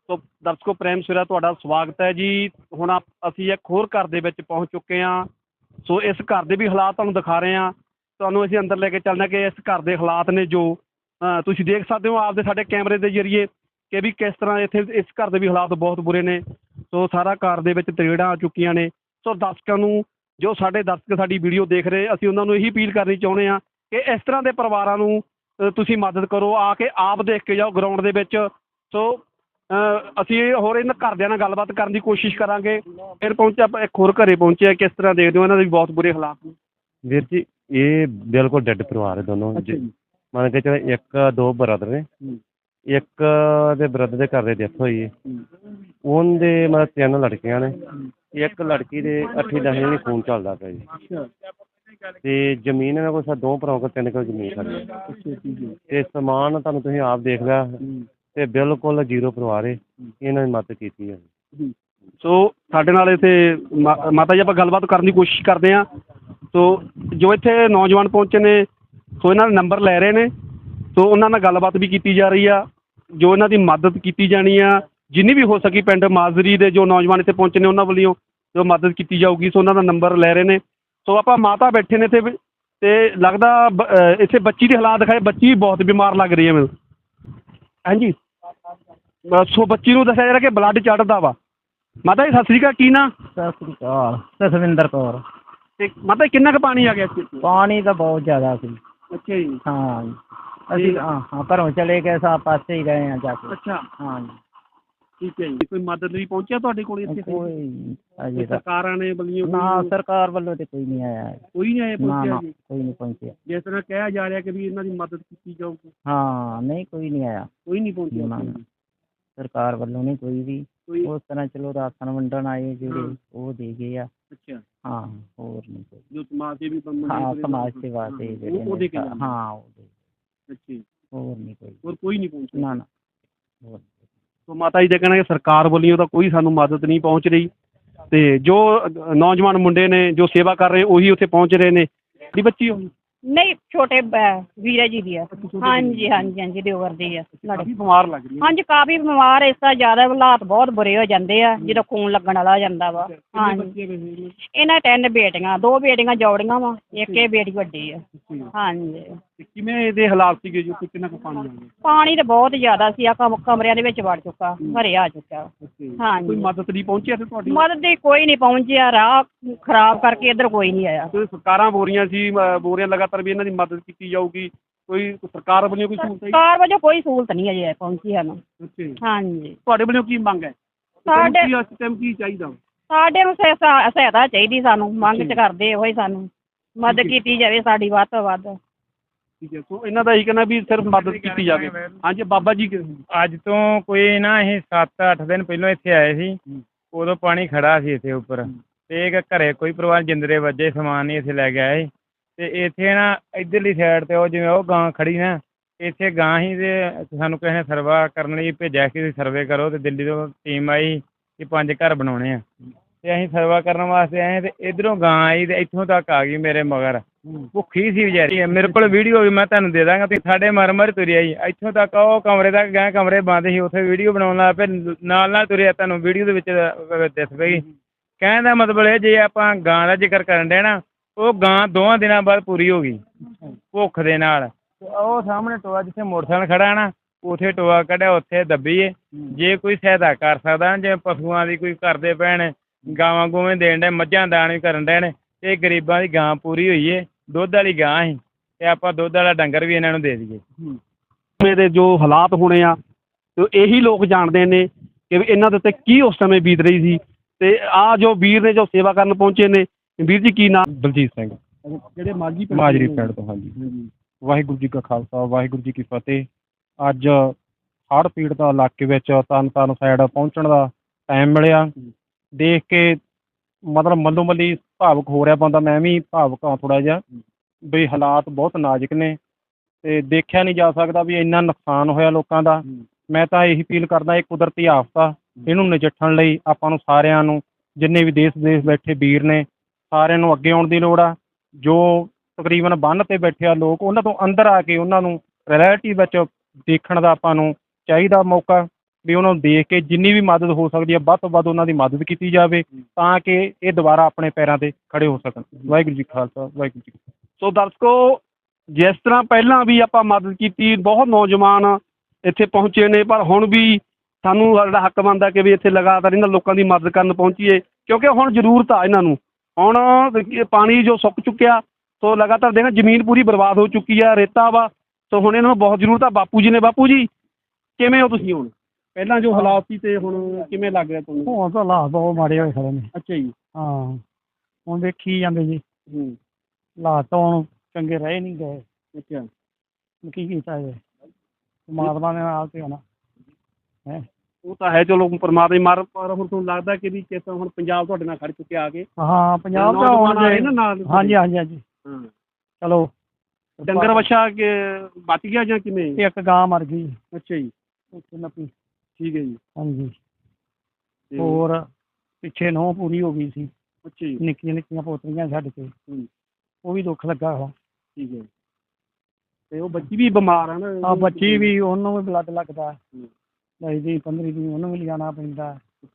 ਸੋ ਦਰਸ਼ਕੋ ਪ੍ਰੇਮ ਸਵੇਰਾ ਤੁਹਾਡਾ ਸਵਾਗਤ ਹੈ ਜੀ। ਹੁਣ ਅਸੀਂ ਇੱਕ ਹੋਰ ਘਰ ਦੇ ਵਿੱਚ ਪਹੁੰਚ ਚੁੱਕੇ ਹਾਂ। ਸੋ ਇਸ ਘਰ ਦੇ ਵੀ ਹਾਲਾਤ ਤੁਹਾਨੂੰ ਦਿਖਾ ਰਹੇ ਹਾਂ। ਤੁਹਾਨੂੰ ਅਸੀਂ ਅੰਦਰ ਲੈ ਕੇ ਚੱਲਦੇ ਹਾਂ ਕਿ ਇਸ ਘਰ ਦੇ ਹਾਲਾਤ ਨੇ ਜੋ ਤੁਸੀਂ ਦੇਖ ਸਕਦੇ ਹੋ ਆਪਦੇ ਸਾਡੇ ਕੈਮਰੇ ਦੇ ਜ਼ਰੀਏ ਕਿ ਵੀ ਕਿਸ ਤਰ੍ਹਾਂ ਇੱਥੇ ਇਸ ਘਰ ਦੇ ਵੀ ਹਾਲਾਤ ਬਹੁਤ ਬੁਰੇ ਨੇ। ਸੋ ਸਾਰਾ ਘਰ ਦੇ ਵਿੱਚ ਤਰੇੜਾਂ ਆ ਚੁੱਕੀਆਂ ਨੇ। ਸੋ ਦਰਸ਼ਕਾਂ ਨੂੰ ਜੋ ਸਾਡੇ ਦਰਸ਼ਕ ਸਾਡੀ ਵੀਡੀਓ ਦੇਖ ਰਹੇ ਅਸੀਂ ਉਹਨਾਂ ਨੂੰ ਇਹੀ ਅਪੀਲ ਕਰਨੀ ਚਾਹੁੰਦੇ ਹਾਂ ਕਿ ਇਸ ਤਰ੍ਹਾਂ ਦੇ ਪਰਿਵਾਰਾਂ ਨੂੰ ਤੁਸੀਂ ਮਦਦ ਕਰੋ, ਆ ਕੇ ਆਪ ਦੇਖ ਕੇ ਜਾਓ ਗਰਾਊਂਡ ਦੇ ਵਿੱਚ। ਸੋ ਅਸੀਂ ਹੋਰ ਇਹਨਾਂ ਘਰਦਿਆਂ ਨਾਲ ਗੱਲਬਾਤ ਕਰਨ ਦੀ ਕੋਸ਼ਿਸ਼ ਕਰਾਂਗੇ। ਫਿਰ ਪਹੁੰਚੇ ਆਪਾਂ ਇੱਕ ਹੋਰ ਘਰੇ ਪਹੁੰਚੇ, ਕਿਸ ਤਰ੍ਹਾਂ ਦੇਖਦੇ ਹੋ ਇਹਨਾਂ ਦੇ ਵੀ ਬਹੁਤ ਬੁਰੇ ਹਾਲਾਤ ਨੇ। ਵੀਰ ਜੀ ਇਹ ਬਿਲਕੁਲ ਡੈਡ ਪਰਿਵਾਰ ਹੈ ਦੋਨੋਂ। ਮੰਨ ਕੇ ਚਲੋ ਇੱਕ ਦੋ ਬ੍ਰਦਰ ਨੇ, ਇੱਕ ਦੇ ਬ੍ਰਦਰ ਦੇ ਘਰ ਦੇ ਡੈਥ ਹੋਈ ਹੈ। ਉਹਦੇ ਮਤਲਬ 3 ਲੜਕੀਆਂ ਨੇ, ਇੱਕ ਲੜਕੀ ਦੇ 8-10 ਨਹੀਂ ਖੂਨ ਚੱਲਦਾ ਪਿਆ ਜੀ। ਅਤੇ ਜ਼ਮੀਨ ਇਹਨਾਂ ਕੋਲ 2 ਭਰਾਵਾਂ ਕੋਲ 3 ਕਿੱਲੇ ਜ਼ਮੀਨ ਸਾਡੀ ਅਤੇ ਸਮਾਨ ਤੁਹਾਨੂੰ ਤੁਸੀਂ ਆਪ ਦੇਖ ਲਿਆ ਅਤੇ ਬਿਲਕੁਲ ਜ਼ੀਰੋ ਪਰਿਵਾਰ ਹੈ। ਇਹਨਾਂ ਦੀ ਮਦਦ ਕੀਤੀ ਹੈ। ਸੋ ਸਾਡੇ ਨਾਲ ਇੱਥੇ ਮਾਤਾ ਜੀ ਆਪਾਂ ਗੱਲਬਾਤ ਕਰਨ ਦੀ ਕੋਸ਼ਿਸ਼ ਕਰਦੇ ਹਾਂ। ਸੋ ਜੋ ਇੱਥੇ ਨੌਜਵਾਨ ਪਹੁੰਚੇ ਨੇ ਸੋ ਇਹਨਾਂ ਦਾ ਨੰਬਰ ਲੈ ਰਹੇ ਨੇ। ਸੋ ਉਹਨਾਂ ਨਾਲ ਗੱਲਬਾਤ ਵੀ ਕੀਤੀ ਜਾ ਰਹੀ ਆ, ਜੋ ਇਹਨਾਂ ਦੀ ਮਦਦ ਕੀਤੀ ਜਾਣੀ ਆ ਜਿੰਨੀ ਵੀ ਹੋ ਸਕੀ। ਪਿੰਡ ਮਾਜ਼ਰੀ ਦੇ ਜੋ ਨੌਜਵਾਨ ਇੱਥੇ ਪਹੁੰਚੇ ਨੇ ਉਹਨਾਂ ਵੱਲੋਂ ਜੋ ਮਦਦ ਕੀਤੀ ਜਾਊਗੀ। ਸੋ ਉਹਨਾਂ ਦਾ ਨੰਬਰ ਲੈ ਰਹੇ ਨੇ। ਸੋ ਆਪਾਂ ਮਾਤਾ ਬੈਠੇ ਨੇ ਇੱਥੇ ਅਤੇ ਲੱਗਦਾ ਇੱਥੇ ਬੱਚੀ ਦੇ ਹਾਲਾਤ ਦਿਖਾਏ। ਬੱਚੀ ਬਹੁਤ ਬਿਮਾਰ ਲੱਗ ਰਹੀ ਹੈ ਮੈਨੂੰ। ਹਾਂਜੀ ਸੋ ਬੱਚੀ ਨੂੰ ਦੱਸਿਆ ਜਾ ਰਿਹਾ ਕਿ ਬਲੱਡ ਚੜ੍ਹਦਾ ਵਾ। ਮਾਤਾ ਜੀ ਸਤਿ ਸ਼੍ਰੀ ਅਕਾਲ, ਕੀ ਨਾਂ? ਸਤਿ ਸ਼੍ਰੀ ਅਕਾਲ, ਜਸਵਿੰਦਰ ਕੌਰ। ਅਤੇ ਮਾਤਾ ਜੀ ਕਿੰਨਾ ਕੁ ਪਾਣੀ ਆ ਗਿਆ ਇੱਥੇ? ਪਾਣੀ ਤਾਂ ਬਹੁਤ ਜ਼ਿਆਦਾ ਸੀ। ਅੱਛਾ ਜੀ। ਹਾਂ ਅਸੀਂ ਹਾਂ ਘਰੋਂ ਚਲੇ ਗਏ ਸਾਂ, ਪਾਸੇ ਹੀ ਗਏ ਹਾਂ ਜਾ ਕੇ। ਅੱਛਾ ਹਾਂਜੀ ਠੀਕ ਹੈ ਜੀ। ਕੋਈ ਮਦਦ ਲਈ ਪਹੁੰਚਿਆ ਤੁਹਾਡੇ ਕੋਲ ਇੱਥੇ? ਕੋਈ ਅਜੇ ਤੱਕ ਸਰਕਾਰਾਂ ਨੇ ਵੱਲੋਂ ਨਾ, ਸਰਕਾਰ ਵੱਲੋਂ ਤਾਂ ਕੋਈ ਨਹੀਂ ਆਇਆ। ਕੋਈ ਨਹੀਂ ਆਇਆ ਪਹੁੰਚਿਆ ਜੀ? ਕੋਈ ਨਹੀਂ ਪਹੁੰਚਿਆ। ਜਿਸ ਤਰ੍ਹਾਂ ਕਿਹਾ ਜਾ ਰਿਹਾ ਕਿ ਵੀ ਇਹਨਾਂ ਦੀ ਮਦਦ ਕੀਤੀ ਜਾਊਗੀ। ਹਾਂ ਨਹੀਂ, ਕੋਈ ਨਹੀਂ ਆਇਆ। ਕੋਈ ਨਹੀਂ ਪਹੁੰਚਿਆ ਨਾ, ਸਰਕਾਰ ਵੱਲੋਂ ਨਹੀਂ ਕੋਈ ਵੀ। ਉਸ ਤਰ੍ਹਾਂ ਚਲੋ ਰਾਸ਼ਨ ਵੰਡਣ ਆਏ ਜਿਹੜੇ ਉਹ ਦੇ ਗਏ ਆ। ਅੱਛਾ ਹਾਂ ਹੋਰ ਨਹੀਂ ਕੋਈ। ਜੋ ਸਮਾਜ ਸੇਵੀ ਹਾਂ ਸਮਾਜ ਸੇਵਾ ਤੇ ਜਿਹੜੇ ਉਹ ਦੇ ਕੇ ਹਾਂ ਉਹ ਦੇ। ਅੱਛਾ ਜੀ। ਹੋਰ ਨਹੀਂ ਕੋਈ। ਹੋਰ ਕੋਈ ਨਹੀਂ ਪਹੁੰਚਿਆ? ਨਾ ਨਾ ਹੋਰ। ਸੋ ਮਾਤਾ ਜੀ ਦਾ ਕਹਿਣਾ ਕਿ ਸਰਕਾਰ ਵੱਲੋਂ ਤਾਂ ਕੋਈ ਸਾਨੂੰ ਮਦਦ ਨਹੀਂ ਪਹੁੰਚ ਰਹੀ ਅਤੇ ਜੋ ਨੌਜਵਾਨ ਮੁੰਡੇ ਨੇ ਜੋ ਸੇਵਾ ਕਰ ਰਹੇ ਉਹੀ ਉੱਥੇ ਪਹੁੰਚ ਰਹੇ ਨੇ। ਦੀ ਬੱਚੀ ਹੋਈ ਨਹੀਂ, ਛੋਟੇ ਵੀਰੇ ਜੀ ਦੀ ਆ। ਹਾਂਜੀ ਹਾਂਜੀ ਹਾਂਜੀ ਦਿਓਰ ਦੀ ਆ। ਕਾਫੀ ਬਿਮਾਰ ਲੱਗ ਰਹੀ ਹੈ। ਹਾਂਜੀ ਕਾਫੀ ਬਿਮਾਰ। ਇਸ ਤਰ੍ਹਾਂ ਜ਼ਿਆਦਾ ਹਾਲਾਤ ਬਹੁਤ ਬੁਰੇ ਹੋ ਜਾਂਦੇ ਆ ਜਦੋਂ ਖੂਨ ਲੱਗਣ ਵਾਲਾ ਹੋ ਜਾਂਦਾ ਵਾ। ਹਾਂਜੀ ਇਹਨਾਂ 3 ਬੇਟੀਆਂ, 2 ਬੇਟੀਆਂ ਜੋੜੀਆਂ ਵਾ, ਇੱਕ ਇਹ ਬੇਟੀ ਵੱਡੀ ਆ। ਹਾਂਜੀ ਕਿਵੇਂ ਇਹਦੇ ਹਾਲਾਤ ਸੀਗੇ ਜੀ? ਕਿੰਨਾ ਕੁ ਪਾਣੀ ਆ ਗਿਆ? ਪਾਣੀ ਤਾਂ ਬਹੁਤ ਜ਼ਿਆਦਾ ਸੀ। ਆ ਕਮਰਿਆਂ ਦੇ ਵਿੱਚ ਵੜ ਚੁੱਕਾ, ਘਰੇ ਆ ਚੁੱਕਾ। ਹਾਂਜੀ ਕੋਈ ਮਦਦ ਨਹੀਂ ਪਹੁੰਚੀ ਇੱਥੇ ਤੁਹਾਡੀ? ਮਦਦ ਦੀ ਕੋਈ ਨਹੀਂ ਪਹੁੰਚਿਆ। ਰਾਹ ਖਰਾਬ ਕਰਕੇ ਇੱਧਰ ਕੋਈ ਨਹੀਂ ਆਇਆ। ਸਰਕਾਰਾਂ ਬੋਲ ਰਹੀਆਂ ਸੀ ਲਗਾਤਾਰ ਵੀ ਇਹਨਾਂ ਦੀ ਮਦਦ ਕੀਤੀ ਜਾਊਗੀ। ਕੋਈ ਸਰਕਾਰ ਵੱਲੋਂ ਕੋਈ ਸਹੂਲਤ? ਸਰਕਾਰ ਵਜੋਂ ਕੋਈ ਸਹੂਲਤ ਨਹੀਂ ਅਜੇ ਪਹੁੰਚੀ ਸਾਨੂੰ। ਹਾਂਜੀ ਤੁਹਾਡੇ ਵੱਲੋਂ ਕੀ ਮੰਗ ਹੈ? ਸਾਡੇ ਇਸ ਟਾਈਮ ਕੀ ਚਾਹੀਦਾ? ਸਾਡੇ ਨੂੰ ਸਹਾਇਤਾ ਚਾਹੀਦੀ। ਸਾਨੂੰ ਮੰਗ ਚ ਕਰਦੇ ਇਹੋ ਹੀ, ਸਾਨੂੰ ਮਦਦ ਕੀਤੀ ਜਾਵੇ ਸਾਡੀ ਵੱਧ ਤੋਂ ਵੱਧ। ਠੀਕ ਹੈ। ਸੋ ਇਹਨਾਂ ਦਾ ਇਹੀ ਕਹਿਣਾ ਵੀ ਸਿਰਫ ਮਦਦ ਕੀਤੀ ਜਾਵੇ। ਹਾਂਜੀ ਬਾਬਾ ਜੀ ਅੱਜ ਤੋਂ ਕੋਈ ਨਾ ਅਸੀਂ 7-8 ਦਿਨ ਪਹਿਲਾਂ ਇੱਥੇ ਆਏ ਸੀ। ਉਦੋਂ ਪਾਣੀ ਖੜਾ ਸੀ ਇੱਥੇ ਉੱਪਰ ਅਤੇ ਇੱਕ ਘਰੇ ਕੋਈ ਪਰਿਵਾਰ ਜਿੰਦਰੇ ਵੱਜੇ ਸਮਾਨ ਨਹੀਂ ਇੱਥੇ ਲੈ ਕੇ ਆਏ। ਅਤੇ ਇੱਥੇ ਨਾ ਇੱਧਰਲੀ ਸਾਈਡ 'ਤੇ ਉਹ ਜਿਵੇਂ ਉਹ ਗਾਂ ਖੜੀ ਨਾ, ਇੱਥੇ ਗਾਂ ਹੀ ਅਤੇ ਸਾਨੂੰ ਕਿਸੇ ਨੇ ਸਰਵਾ ਕਰਨ ਲਈ ਭੇਜਿਆ ਕਿ ਤੁਸੀਂ ਸਰਵੇ ਕਰੋ। ਅਤੇ ਦਿੱਲੀ ਤੋਂ ਟੀਮ ਆਈ ਕਿ 5 ਘਰ ਬਣਾਉਣੇ ਆ ਅਤੇ ਅਸੀਂ ਸਰਵਾ ਕਰਨ ਵਾਸਤੇ ਆਏ ਅਤੇ ਇੱਧਰੋਂ ਗਾਂ ਆਈ ਅਤੇ ਇੱਥੋਂ ਤੱਕ ਆ ਗਈ ਮੇਰੇ ਮਗਰ। ਭੁੱਖੀ ਸੀ ਵਿਚਾਰੀ। ਮੇਰੇ ਕੋਲ ਵੀਡੀਓ ਵੀ ਮੈਂ ਤੁਹਾਨੂੰ ਦੇ ਦਾਂਗਾ। ਤੁਸੀਂ ਸਾਡੇ ਮਰ ਤੁਰੀ ਆਈ ਇੱਥੋਂ ਤੱਕ, ਉਹ ਕਮਰੇ ਤੱਕ ਗਏ, ਕਮਰੇ ਬੰਦ ਸੀ, ਉੱਥੇ ਵੀਡੀਓ ਬਣਾਉਣ ਲੱਗ ਪਏ, ਨਾਲ ਤੁਰਿਆ। ਤੁਹਾਨੂੰ ਵੀਡੀਓ ਦੇ ਵਿੱਚ ਦਿਸ ਪਈ। ਕਹਿਣ ਦਾ ਮਤਲਬ ਇਹ, ਜੇ ਆਪਾਂ ਗਾਂ ਦਾ ਜ਼ਿਕਰ ਕਰਨ ਡੇ ਨਾ, ਉਹ ਗਾਂ 2 ਦਿਨਾਂ ਬਾਅਦ ਪੂਰੀ ਹੋ ਗਈ ਭੁੱਖ ਦੇ ਨਾਲ। ਉਹ ਸਾਹਮਣੇ ਟੋਆ ਜਿੱਥੇ ਮੋਟਰਸਾਈਕਲ ਖੜਾ ਨਾ, ਉੱਥੇ ਟੋਆ ਕੱਢਿਆ, ਉੱਥੇ ਦੱਬੀ ਹੈ। ਜੇ ਕੋਈ ਸਹਾਇਤਾ ਕਰ ਸਕਦਾ, ਜਿਵੇਂ ਪਸ਼ੂਆਂ ਦੀ ਕੋਈ ਕਰਦੇ ਪੈਣ, ਗਾਵਾਂ ਗੂਵੇਂ ਦੇਣ ਡੇ, ਮੱਝਾਂ ਦਾਣ ਵੀ ਕਰਨ ਡੇ ਨੇ, ਇਹ ਗਰੀਬਾਂ ਦੀ ਗਾਂ ਪੂਰੀ ਹੋਈ ਹੈ। ਦੁੱਧ ਵਾਲੀ ਗਾਂ ਸੀ ਅਤੇ ਆਪਾਂ ਦੁੱਧ ਵਾਲਾ ਡੰਗਰ ਵੀ ਇਹਨਾਂ ਨੂੰ ਦੇ ਦਈਏ। ਦੇ ਜੋ ਹਾਲਾਤ ਹੋਣੇ ਆ ਇਹੀ ਲੋਕ ਜਾਣਦੇ ਨੇ ਕਿ ਇਹਨਾਂ ਦੇ ਉੱਤੇ ਕੀ ਉਸ ਸਮੇਂ ਬੀਤ ਰਹੀ ਸੀ। ਅਤੇ ਆਹ ਜੋ ਵੀਰ ਨੇ ਜੋ ਸੇਵਾ ਕਰਨ ਪਹੁੰਚੇ ਨੇ, ਵੀਰ ਜੀ ਕੀ ਨਾਮ? ਬਲਜੀਤ ਸਿੰਘ, ਜਿਹੜੇ ਮਾਜਰੀ ਪਿੰਡ ਤੋਂ। ਹਾਂਜੀ ਵਾਹਿਗੁਰੂ ਜੀ ਕਾ ਖਾਲਸਾ, ਵਾਹਿਗੁਰੂ ਜੀ ਕੀ ਫਤਿਹ। ਅੱਜ ਹੜ੍ਹ ਪੀੜਤ ਇਲਾਕੇ ਵਿੱਚ ਤਰਨ ਸਾਈਡ ਪਹੁੰਚਣ ਦਾ ਟਾਈਮ ਮਿਲਿਆ। ਦੇਖ ਕੇ ਮਤਲਬ ਮੱਲੋ ਮੱਲੀ ਭਾਵੁਕ ਹੋ ਰਿਹਾ ਬੰਦਾ। ਮੈਂ ਵੀ ਭਾਵੁਕ ਹਾਂ ਥੋੜ੍ਹਾ ਜਿਹਾ ਵੀ ਹਾਲਾਤ ਬਹੁਤ ਨਾਜ਼ੁਕ ਨੇ ਅਤੇ ਦੇਖਿਆ ਨਹੀਂ ਜਾ ਸਕਦਾ ਵੀ ਇੰਨਾ ਨੁਕਸਾਨ ਹੋਇਆ ਲੋਕਾਂ ਦਾ। ਮੈਂ ਤਾਂ ਇਹੀ ਅਪੀਲ ਕਰਦਾ, ਇਹ ਕੁਦਰਤੀ ਆਫਤ ਆ, ਇਹਨੂੰ ਨਜਿੱਠਣ ਲਈ ਆਪਾਂ ਨੂੰ ਸਾਰਿਆਂ ਨੂੰ, ਜਿੰਨੇ ਵੀ ਦੇਸ਼ ਬੈਠੇ ਵੀਰ ਨੇ, ਸਾਰਿਆਂ ਨੂੰ ਅੱਗੇ ਆਉਣ ਦੀ ਲੋੜ ਆ। ਜੋ ਤਕਰੀਬਨ ਬੰਨ੍ਹ 'ਤੇ ਬੈਠੇ ਆ ਲੋਕ, ਉਹਨਾਂ ਤੋਂ ਅੰਦਰ ਆ ਕੇ ਉਹਨਾਂ ਨੂੰ ਰਿਐਲਿਟੀ ਵਿੱਚ ਦੇਖਣ ਦਾ ਆਪਾਂ ਨੂੰ ਚਾਹੀਦਾ ਮੌਕਾ ਵੀ ਉਹਨਾਂ ਨੂੰ ਦੇਖ ਕੇ ਜਿੰਨੀ ਵੀ ਮਦਦ ਹੋ ਸਕਦੀ ਹੈ ਵੱਧ ਤੋਂ ਵੱਧ ਉਹਨਾਂ ਦੀ ਮਦਦ ਕੀਤੀ ਜਾਵੇ ਤਾਂ ਕਿ ਇਹ ਦੁਬਾਰਾ ਆਪਣੇ ਪੈਰਾਂ 'ਤੇ ਖੜੇ ਹੋ ਸਕਣ। ਵਾਹਿਗੁਰੂ ਜੀ ਕਾ ਖਾਲਸਾ ਵਾਹਿਗੁਰੂ ਜੀ ਕੀ ਫਤਿਹ। ਸੋ ਦਰਸ਼ਕੋ, ਜਿਸ ਤਰ੍ਹਾਂ ਪਹਿਲਾਂ ਵੀ ਆਪਾਂ ਮਦਦ ਕੀਤੀ, ਬਹੁਤ ਨੌਜਵਾਨ ਇੱਥੇ ਪਹੁੰਚੇ ਨੇ, ਪਰ ਹੁਣ ਵੀ ਸਾਨੂੰ ਸਾਡਾ ਹੱਕ ਬਣਦਾ ਕਿ ਵੀ ਇੱਥੇ ਲਗਾਤਾਰ ਇਹਨਾਂ ਲੋਕਾਂ ਦੀ ਮਦਦ ਕਰਨ ਪਹੁੰਚੀਏ, ਕਿਉਂਕਿ ਹੁਣ ਜ਼ਰੂਰਤ ਆ ਇਹਨਾਂ ਨੂੰ। ਹੁਣ ਪਾਣੀ ਜੋ ਸੁੱਕ ਚੁੱਕਿਆ, ਸੋ ਲਗਾਤਾਰ ਦੇਖਾਂ ਜ਼ਮੀਨ ਪੂਰੀ ਬਰਬਾਦ ਹੋ ਚੁੱਕੀ ਆ, ਰੇਤਾ ਵਾ, ਸੋ ਹੁਣ ਇਹਨਾਂ ਨੂੰ ਬਹੁਤ ਜ਼ਰੂਰਤ ਆ। ਬਾਪੂ ਜੀ ਨੇ, ਬਾਪੂ ਜੀ ਕਿਵੇਂ ਹੋ ਤੁਸੀਂ ਹੁਣ? ਪਹਿਲਾਂ ਜੋ ਹਾਲਾਤ ਸੀ ਤੇ ਹੁਣ ਕਿਵੇਂ ਲੱਗ ਰਿਹਾ ਤੁਹਾਨੂੰ? ਹੁਣ ਤਾਂ ਹਾਲਾਤ ਬਹੁਤ ਮਾੜੇ ਹੋਏ ਖੜੇ ਨੇ। ਅੱਛਾ ਜੀ। ਹਾਂ, ਹੁਣ ਵੇਖੀ ਜਾਂਦੇ ਜੀ, ਹਾਲਾਤ ਤਾਂ ਹੁਣ ਚੰਗੇ ਰਹੇ ਨਹੀਂ ਗਏ। ਅੱਛਾ। ਕੀ ਕੀਤਾ ਜਾਏ, ਪਰਮਾਤਮਾ ਦੇ ਨਾਲ ਤੇ ਹੋਣਾ ਹੈ। ਉਹ ਤਾਂ ਹੈ, ਚਲੋ ਪਰਮਾਤਮਾ ਮਾਰ, ਪਰ ਹੁਣ ਤੁਹਾਨੂੰ ਲੱਗਦਾ ਕਿ ਵੀ ਕਿਸ ਤਰ੍ਹਾਂ ਹੁਣ ਪੰਜਾਬ ਤੁਹਾਡੇ ਨਾਲ ਖੜ ਚੁੱਕਿਆ ਆ ਕੇ? ਹਾਂ, ਪੰਜਾਬ ਦਾ ਨੌਜਵਾਨ ਹੁਣ ਆਏ ਨਾ ਨਾਲ? ਹਾਂਜੀ ਹਾਂਜੀ ਹਾਂਜੀ। ਹਾਂ। ਚਲੋ, ਡੰਗਰ ਵੱਛਾ ਕਿ ਬਚ ਗਿਆ ਜਾਂ ਕਿਵੇਂ? ਇੱਕ ਗਾਂ ਮਰ ਗਈ ਅੱਛਾ ਜੀ। ਉੱਥੇ ਨੱਪੀ। ਠੀਕ ਹੈ ਜੀ। ਹਾਂਜੀ। ਤੇ ਹੋਰ ਪਿੱਛੇ ਨਹੁੰ ਪੂਰੀ ਹੋ ਗਈ ਸੀ, ਅੱਛਾ ਜੀ। ਨਿੱਕੀਆਂ ਨਿੱਕੀਆਂ ਪੋਤਰੀਆਂ ਛੱਡ ਕੇ, ਉਹ ਵੀ ਦੁੱਖ ਲੱਗਾ ਵਾ। ਠੀਕ ਹੈ। ਤੇ ਉਹ ਬੱਚੀ ਵੀ ਬਿਮਾਰ ਆ ਨਾ? ਆ ਬੱਚੀ ਵੀ, ਉਹਨੂੰ ਵੀ ਬਲੱਡ ਲੱਗਦਾ, 10 ਦਿਨ 15 ਦਿਨ ਉਹਨੂੰ ਵੀ ਲਿਜਾਣਾ ਪੈਂਦਾ।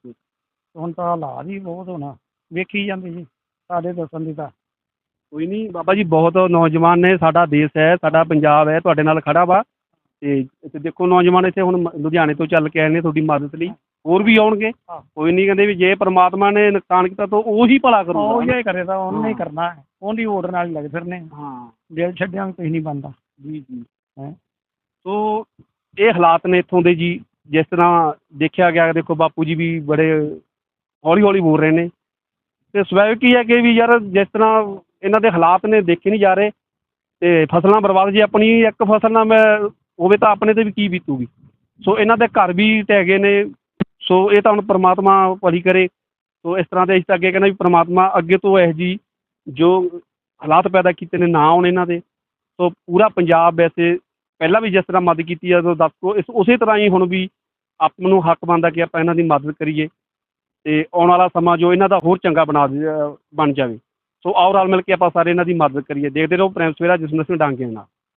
ਹੁਣ ਤਾਂ ਹਾਲਾਤ ਹੀ ਬਹੁਤ ਹੋਣਾ, ਵੇਖੀ ਜਾਂਦੇ ਜੀ ਸਾਡੇ ਦੱਸਣ ਦੀ ਤਾਂ। ਕੋਈ ਨਹੀਂ ਬਾਬਾ ਜੀ, ਬਹੁਤ ਨੌਜਵਾਨ ਨੇ, ਸਾਡਾ ਦੇਸ਼ ਹੈ, ਸਾਡਾ ਪੰਜਾਬ ਹੈ, ਤੁਹਾਡੇ ਨਾਲ ਖੜਾ ਵਾ। ਤੇ ਇੱਥੇ ਦੇਖੋ ਨੌਜਵਾਨ ਇੱਥੇ ਹੁਣ ਲੁਧਿਆਣੇ ਤੋਂ ਚੱਲ ਕੇ ਆਏ ਨੇ ਤੁਹਾਡੀ ਮਦਦ ਲਈ, ਹੋਰ ਵੀ ਆਉਣਗੇ। ਕੋਈ ਨਹੀਂ, ਕਹਿੰਦੇ ਵੀ ਜੇ ਪਰਮਾਤਮਾ ਨੇ ਨੁਕਸਾਨ ਕੀਤਾ ਤਾਂ ਉਹੀ ਭਲਾ ਕਰੂਗਾ। ਉਹ ਹੀ ਕਰੇ ਤਾਂ ਉਹਨੇ ਹੀ ਕਰਨਾ, ਉਹਦੀ ਓਟ ਨਾਲ ਹੀ ਲੱਗ ਫਿਰਨੇ। ਹਾਂ, ਦਿਲ ਛੱਡਿਆ ਕੁਛ ਨਹੀਂ ਬਣਦਾ ਜੀ ਜੀ। ਹੈ। ਸੋ ਇਹ ਹਾਲਾਤ ਨੇ ਇੱਥੋਂ ਦੇ ਜੀ। ਜਿਸ ਤਰ੍ਹਾਂ ਦੇਖਿਆ ਗਿਆ, ਦੇਖੋ ਬਾਪੂ ਜੀ ਵੀ ਬੜੇ ਹੌਲੀ ਹੌਲੀ ਬੋਲ ਰਹੇ ਨੇ, ਤੇ ਸੁਭਾਵਿਕ ਹੀ ਹੈ ਕਿ ਵੀ ਯਾਰ ਜਿਸ ਤਰ੍ਹਾਂ ਇਹਨਾਂ ਦੇ ਹਾਲਾਤ ਨੇ ਦੇਖੇ ਨਹੀਂ ਜਾ ਰਹੇ, ਤੇ ਫਸਲਾਂ ਬਰਬਾਦ, ਜੇ ਆਪਣੀ ਇੱਕ ਫਸਲ ਨਾ ਮੈਂ ਹੋਵੇ ਤਾਂ ਆਪਣੇ 'ਤੇ ਵੀ ਕੀ ਬੀਤੂਗੀ। ਸੋ ਇਹਨਾਂ ਦੇ ਘਰ ਵੀ ਢਹਿ ਗਏ ਨੇ। ਸੋ ਇਹ ਤਾਂ ਹੁਣ ਪਰਮਾਤਮਾ ਭਲੀ ਕਰੇ। ਸੋ ਇਸ ਤਰ੍ਹਾਂ ਦੇ ਅਸੀਂ ਤਾਂ ਅੱਗੇ ਕਹਿੰਦਾ ਵੀ ਪਰਮਾਤਮਾ ਅੱਗੇ ਤੋਂ ਇਹੋ ਜਿਹੀ ਜੋ ਹਾਲਾਤ ਪੈਦਾ ਕੀਤੇ ਨੇ ਨਾ ਆਉਣ ਇਹਨਾਂ ਦੇ। ਸੋ ਪੂਰਾ ਪੰਜਾਬ ਵੈਸੇ ਪਹਿਲਾਂ ਵੀ ਜਿਸ ਤਰ੍ਹਾਂ ਮਦਦ ਕੀਤੀ ਆ, ਦੱਸ ਕੋ ਇਸ ਉਸੇ ਤਰ੍ਹਾਂ ਹੀ ਹੁਣ ਵੀ ਆਪਾਂ ਨੂੰ ਹੱਕ ਬਣਦਾ ਕਿ ਆਪਾਂ ਇਹਨਾਂ ਦੀ ਮਦਦ ਕਰੀਏ, ਅਤੇ ਆਉਣ ਵਾਲਾ ਸਮਾਂ ਜੋ ਇਹਨਾਂ ਦਾ ਹੋਰ ਚੰਗਾ ਬਣ ਜਾਵੇ। ਸੋ ਆਓ ਰਲ ਮਿਲ ਕੇ ਆਪਾਂ ਸਾਰੇ ਇਹਨਾਂ ਦੀ ਮਦਦ ਕਰੀਏ। ਦੇਖਦੇ ਰਹੋ ਪ੍ਰਾਈਮ ਸਵੇਰਾ, ਜਿਸ ਨੂੰ ਅਸੀਂ ਡਾਂਗੇ ਨਾਲ।